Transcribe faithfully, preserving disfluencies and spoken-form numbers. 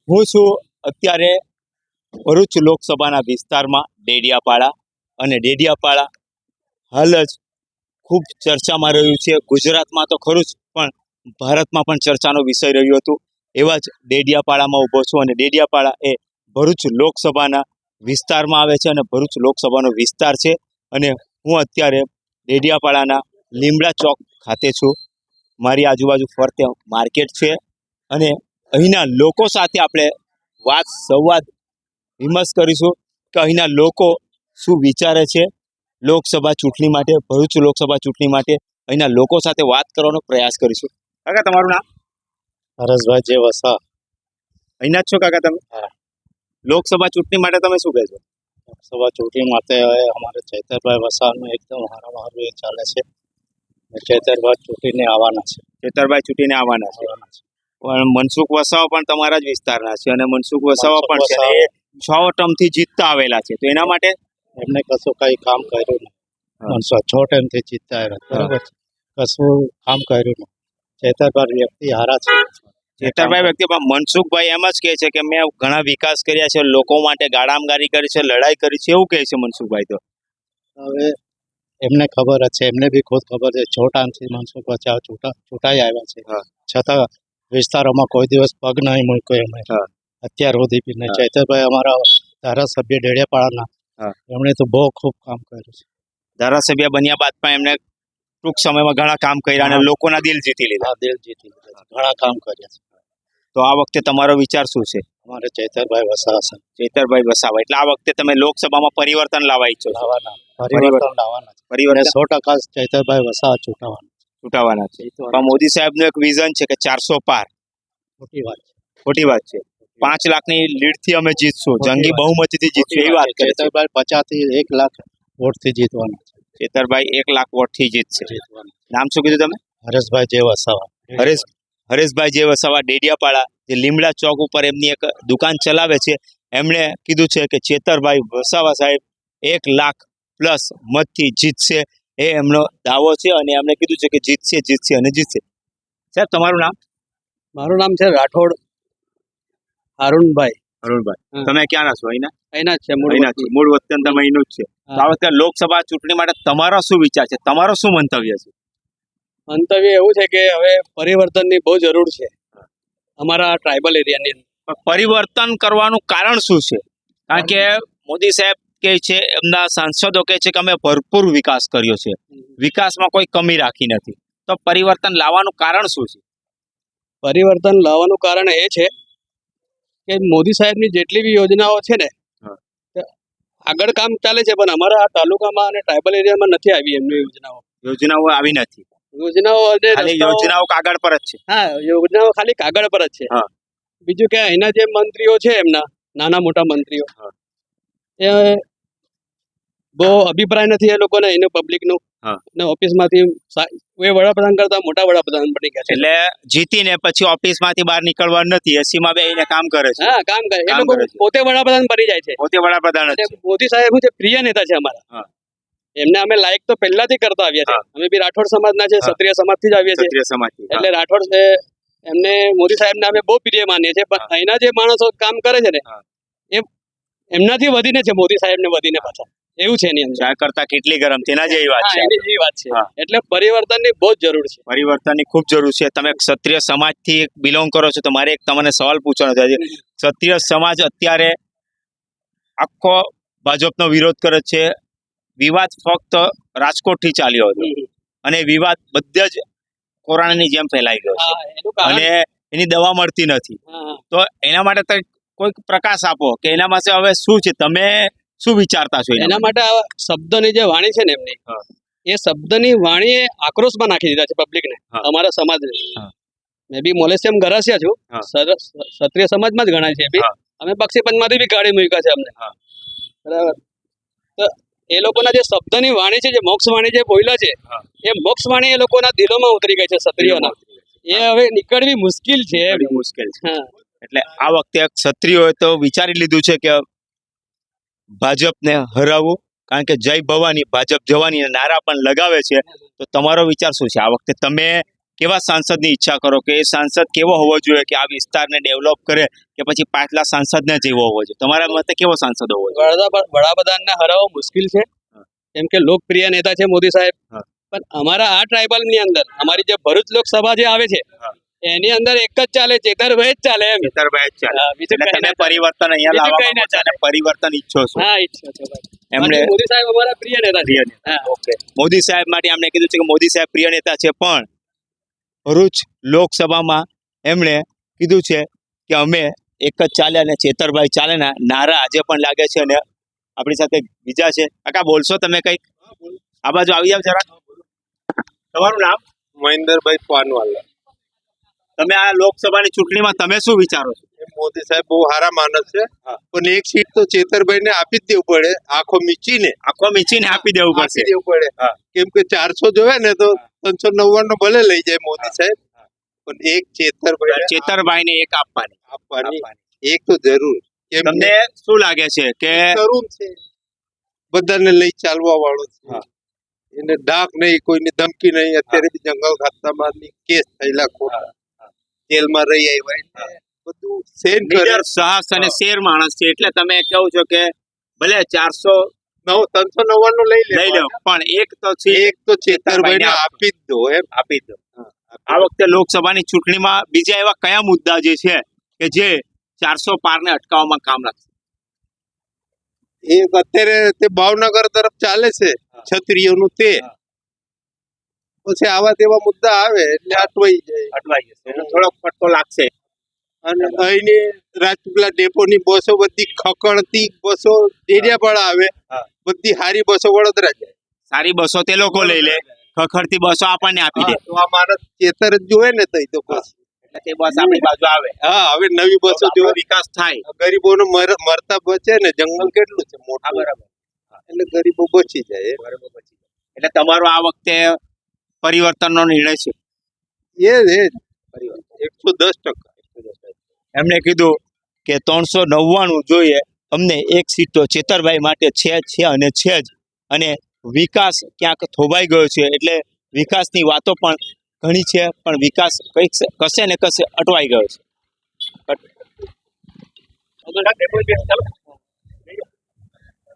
હું છું અત્યારે ભરૂચ લોકસભાના વિસ્તારમાં ડેડિયાપાડા, અને ડેડિયાપાડા હાલ જ ખૂબ ચર્ચામાં રહ્યું છે. ગુજરાતમાં તો ખરું જ, પણ ભારતમાં પણ ચર્ચાનો વિષય રહ્યો હતો. એવા જ ડેડિયાપાડામાં ઊભો છું, અને ડેડિયાપાડા એ ભરૂચ લોકસભાના વિસ્તારમાં આવે છે, અને ભરૂચ લોકસભાનો વિસ્તાર છે. અને હું અત્યારે ડેડિયાપાડાના લીમડા ચોક ખાતે છું. મારી આજુબાજુ ફરતે માર્કેટ છે, અને અહીંના લોકો સાથે આપણે વાત સંવાદ વિમર્શ કરીશું કે અહીંના લોકો શું વિચારે છે લોકસભા ચૂંટણી માટે, ભરૂચ લોકસભા ચૂંટણી માટે. અહીંના લોકો સાથે વાત કરવાનો પ્રયાસ કરીશું. કાકા, તમારું નામ? હરેશભાઈ જે વસા. અહીંના જ છો કાકા તમે? હા. લોકસભા ચૂંટણી માટે તમે શું કહેશો? લોકસભા ચૂંટણી માટે હવે અમારે ચૈતરભાઈ વસાવાનું એકદમ હારામાં હારું એ ચાલે છે. ચૈતરભાઈ ચૂંટીને આવવાના છે. ચેતરભાઈ ચૂંટીને આવવાના છે. આવવાના છે. પણ મનસુખ વસાવા પણ તમારા જ વિસ્તારના છે, અને મનસુખ વસાવા મનસુખ પણ છે, અને એ છ ટર્મથી જીતતા આવેલા છે. તો એના માટે એમને કશું કઈ કામ કર્યું નહીં. હા. માણસો છ ટાઈમથી જીતતા આવ્યા, બરોબર છે. કશું કામ કર્યું નહીં. ચૈતરભાઈ વ્યક્તિ હારા છે. ચેતરભાઈ વ્યક્તિ પણ મનસુખભાઈ એમ જ કહે છે કે મેં ઘણા વિકાસ કર્યા છે, લોકો માટે ગાડામગારી કરી છે, લડાઈ કરી છે, એવું કહે છે મનસુખભાઈ. તો હવે એમને ખબર જ છે, એમને બી ખુદ ખબર છે. છ ટાઈમથી મનસુખ વસાવા છૂટા છૂટાઈ આવ્યા છે. હા. છતાં વિસ્તારોમાં કોઈ દિવસ પગ નહીં મૂક્યો એમણે હા. અત્યાર સુધી બી નહીં. હા. ચૈતરભાઈ અમારા ધારાસભ્ય ડેડિયાપાડાના, હા. એમણે તો બહુ ખૂબ કામ કર્યું છે. ધારાસભ્ય બન્યા બાદ પણ એમને ટૂંક સમયમાં ઘણા કામ કર્યા અને હા. લોકોના દિલ જીતી લીધા. આ દિલ જીતી લીધા છે. ઘણા કામ કર્યા છે. તો આ વખતે તમારો વિચાર શું છે? અમારે ચૈતરભાઈ વસાવા છે. ચેતરભાઈ વસાવા, એટલે આ વખતે તમે લોકસભામાં પરિવર્તન લાવવા ઈચ્છો છો? લાવવાના પરિવર્તન લાવવાના છે. પરિવર્તન સો ટકા ચૈતરભાઈ વસાવા ચૂંટાવાના ચૂંટાવાના છે. જીતવાના. પણ મોદી સાહેબનું એક વિઝન છે કે ચારસો પાર. ખોટી વાત છે. ખોટી વાત છે. પાંચ લાખની લીડથી અમે જીતશું, ખોટી જંગી વાત છે. બહુમતીથી જીતશું, એવી વાત કરે છે. ચૈતરભાઈ પચાસ થી એક લાખ વોટથી જીતવાના છે. ચેતરભાઈ એક લાખ વોટથી જીતશે. જીતવાના. નામ શું કીધું તમે? હરેશભાઈ જે વસાવા. હરેશ હરેશભાઈ જે વસાવા, ડેડિયાપાડા, જે લીમડા ચોક ઉપર એમની એક દુકાન ચલાવે છે. એમણે કીધું છે કે ચેતરભાઈ વસાવા સાહેબ એક લાખ પ્લસ મતથી જીતશે, એ એમનો દાવો છે, અને એમણે કીધું છે કે જીતશે જીતશે અને જીતશે. સાહેબ, તમારું નામ? મારું નામ છે રાઠોડ અરુણભાઈ. અરુણભાઈ. હા. તમે ક્યાંના છો? અહીંના? અહીંના જ છે મૂળ અહીંના વતની. છો. મૂળ વતન તમે અહીંનું જ છે. તો આ હા. વખતે લોકસભા ચૂંટણી માટે તમારો શું વિચાર છે? તમારો શું મંતવ્ય છે? મંતવ્ય એવું છે કે હવે પરિવર્તનની બહુ જરૂર છે અમારા ટ્રાઇબલ એરિયાની અંદર. પણ પરિવર્તન કરવાનું કારણ શું છે? કારણ કે મોદી સાહેબ કહે છે, એમના સાંસદો કહે છે કે અમે ભરપૂર વિકાસ કર્યો છે, વિકાસમાં કોઈ કમી રાખી નથી. તો પરિવર્તન લાવવાનું કારણ શું છે? પરિવર્તન લાવવાનું કારણ એ છે કે મોદી સાહેબની જેટલી બી યોજનાઓ છે ને, હા. તે આગળ કામ ચાલે છે, પણ અમારા આ તાલુકામાં અને ટ્રાઇબલ એરિયામાં નથી આવી એમની યોજનાઓ. યોજનાઓ આવી નથી, યોજનાઓ અને ખાલી રસ્તાઓ- યોજનાઓ કાગળ પર જ છે. હા, યોજનાઓ ખાલી કાગળ પર જ છે. હા. બીજું કે અહીંના જે મંત્રીઓ છે, એમના નાના મોટા મંત્રીઓ, હા. એ બહુ અભિપ્રાય નથી એ લોકોને એનું પબ્લિકનું. હા. ને ઓફિસમાંથી સા- એ વડાપ્રધાન કરતા મોટા વડાપ્રધાન બની ગયા છે. એટલે જીતીને પછી ઓફિસમાંથી બહાર નીકળવા નથી, એસીમાં બેસીને કામ કરે છે. હા, કામ કરે. એ કામ લોકો કરે છે. પોતે વડાપ્રધાન બની જાય છે. પોતે વડાપ્રધાન જ એટલે છે. મોદી સાહેબ શું છે, પ્રિય નેતા છે અમારા. હા. એમને અમે લાયક તો પહેલાથી કરતા આવ્યા છે. હા. અમે બી રાઠોડ સમાજના છે, હા. ક્ષત્રિય સમાજથી જ આવીએ છીએ. ક્ષત્રિય સમાજથી. હા. એટલે રાઠોડ છે, એમને મોદી સાહેબને અમે બહુ પ્રિય માનીએ છીએ. પણ હા. અહીંના જે માણસો કામ કરે છે ને, હા. એ એમનાથી વધીને છે, મોદી સાહેબને વધીને પાછા એવું છે એની અંદર. ચા કરતા કેટલી ગરમ, તેના જેવી વાત હા, છે. એની જેવી વાત છે. હા. એટલે પરિવર્તનની બહુ જ જરૂર છે. પરિવર્તનની ખૂબ જરૂર છે. તમે ક્ષત્રિય સમાજથી બિલોંગ કરો છો, તો મારે એક તમને સવાલ પૂછવાનો છે. ક્ષત્રિય સમાજ અત્યારે આખો ભાજપનો વિરોધ કરે છે. વિવાદ ફક્ત રાજકોટથી ચાલ્યો હતો, હમ. અને વિવાદ બધા જ કોરોનાની જેમ ફેલાઈ ગયો છે, હા, એનું કારણ- અને એની દવા મળતી નથી. હા, હા. તો એના માટે તમે કોઈક પ્રકાશ આપો કે એના માટે હવે શું છે, તમે શું વિચારતા છો એના એના માટે આ શબ્દની જે વાણી છે ને એમની, હા. એ શબ્દની વાણીએ આક્રોશમાં નાખી દીધા છે પબ્લિકને, હા. અમારા સમાજને. હા. મેં બી મોલેશિયમ ગરાસિયા છું, હા. સર- ક્ષત્રિય સમાજમાં જ ગણાય છે એ બી. હા. અમે બક્ષીપંચમાંથી બી કાઢી મૂક્યા છે અમને. હા. બરાબર. તો એ લોકોના જે શબ્દની વાણી છે, જે મોક્ષ વાણી જે બોલ્યા છે, હા. એ મોક્ષ વાણી એ લોકોના દિલોમાં ઉતરી ગઈ છે ક્ષત્રિયોના. એ હવે નીકળવી મુશ્કેલ છે. ઘણી મુશ્કેલ છે. હા. એટલે આ વખતે ક્ષત્રિયોએ તો વિચારી લીધું છે કે ભાજપને હરાવવું, કારણ કે જય ભવાની ભાજપ જવાની નારા પણ લગાવે છે. તો તમારો વિચાર શું છે? આ વખતે તમે કેવા સાંસદની ઈચ્છા કરો કે એ સાંસદ કેવો હોવો જોઈએ કે આ વિસ્તારને ડેવલપ કરે કે પછી પાછલા સાંસદને જેવો હોવો જોઈએ? તમારા મતે કેવો સાંસદ હોવો જોઈએ? વડા- વડાપ્રધાનને હરાવવો મુશ્કેલ છે, કેમ કે લોકપ્રિય નેતા છે મોદી સાહેબ. હા. પણ અમારા આ ટ્રાઇબલ ની અંદર અમારી જે ભરૂચ લોકસભા જે આવે છે હા. એની અંદર એક જ ચાલે, ચેતરભાઈ જ ચાલે એમ. ખેતરભાઈ જ ચાલે. હા, બીજું એટલે કંઈ તમે ના ચાલે. પરિવર્તન અહીંયા બીજું લાવવા કંઈ ના માંગો છો અને પરિવર્તન ઈચ્છો છો. હા, ઈચ્છા છે ભાઈ. એમણે બાકી મોદી સાહેબ અમારા પ્રિય નેતા છે. હા. ઓકે, મોદી સાહેબ માટે એમણે કીધું છે કે મોદી સાહેબ પ્રિય નેતા છે, પણ ભરૂચ લોકસભામાં એમણે કીધું છે કે અમે એક જ ચાલે અને ચેતરભાઈ ચાલે ના નારા આજે પણ લાગે છે. અને આપણી સાથે બીજા છે. કાકા બોલશો તમે કંઈક? આ બાજુ આવી જાવ જરા. તમારું નામ? મહેન્દ્રભાઈ પાનવાલા. તમે આ લોકસભાની ચૂંટણીમાં તમે શું વિચારો છો? મોદી સાહેબ બહુ સારા માણસ છે, હા. પણ એક સીટ તો ચેતરભાઈ ને આપી જ દેવું પડે, આખો મીચીને આખો મીચીને આપી દેવું પડશે. આપી દેવું પડે. હા. કેમ કે ચારસો જોવે ને તો ત્રણસો નવ્વાણું ભલે લઈ જાય મોદી સાહેબ, પણ એક ચેતરભાઈ ચેતરભાઈને એક આપવાની. આપવાની એક તો જરૂર. કેમ તમને શું લાગે છે કે તરુણ છે, બધાને લઈ ચાલવા વાળો છે, હા. એને ડાક નહીં, કોઈની ધમકી નહીં. અત્યારે બી જંગલ ખાતામાં કેસ થયેલા ખોટા, જેલમાં રહી આવ્યા, એટલે બધું સેન કરે. નીડર, સાહસ અને શેર માણસ છે, એટલે તમે કહો છો કે ભલે ચારસો નવ ત્રણસો નવ્વાણું લઈ લે લઈ લો, પણ એક તો છે એક તો ચેતરભાઈ ને આપી જ દો એમ. આપી દો. આ વખતે લોકસભાની ચૂંટણીમાં બીજા એવા કયા મુદ્દા જે છે કે જે ચારસો પારને અટકાવવામાં કામ લાગશે? એક અત્યારે તે ભાવનગર તરફ ચાલે છે ક્ષત્રિયોનું, તે પછી આવા તેવા મુદ્દા આવે એટલે અટવાઈ જાય. અટવાઈ જશે એટલે થોડોક ફટકો લાગશે. અને અહીંની રાજપીપળા ડેપોની બસો બધી ખકડતી બસો ડેડિયાપાડા આવે, હા. બધી હારી બસો વડોદરા જાય. સારી બસો તે લોકો લઈ લે, ખખડતી બસો આપણને આપી દે. હા, તો આ માણસ ચેતર જ જોવે ને તઈ તો પછી. એટલે તે બસ આપણી બાજુ આવે. હા, હવે નવી બસો આપણો જોવે, વિકાસ થાય. ગરીબોનો મર- મરતા બચે ને, જંગલ કેટલું છે મોટું, હા, બરાબર. એટલે ગરીબો બચી જાય. એટલે તમારો આ વખતે પરિવર્તનનો નિર્ણય છે. એ જ એકસો દસ ટકા. એમણે કીધું કે ત્રણસો નવ્વાણું જોઈએ અમને, એક સીટ તો ચેતરભાઈ માટે છે છે અને છે જ. અને વિકાસ ક્યાંક થોભાઈ ગયો છે, એટલે વિકાસની વાતો પણ ઘણી છે, પણ વિકાસ કંઈક કશે ને કશે અટવાઈ ગયો છે.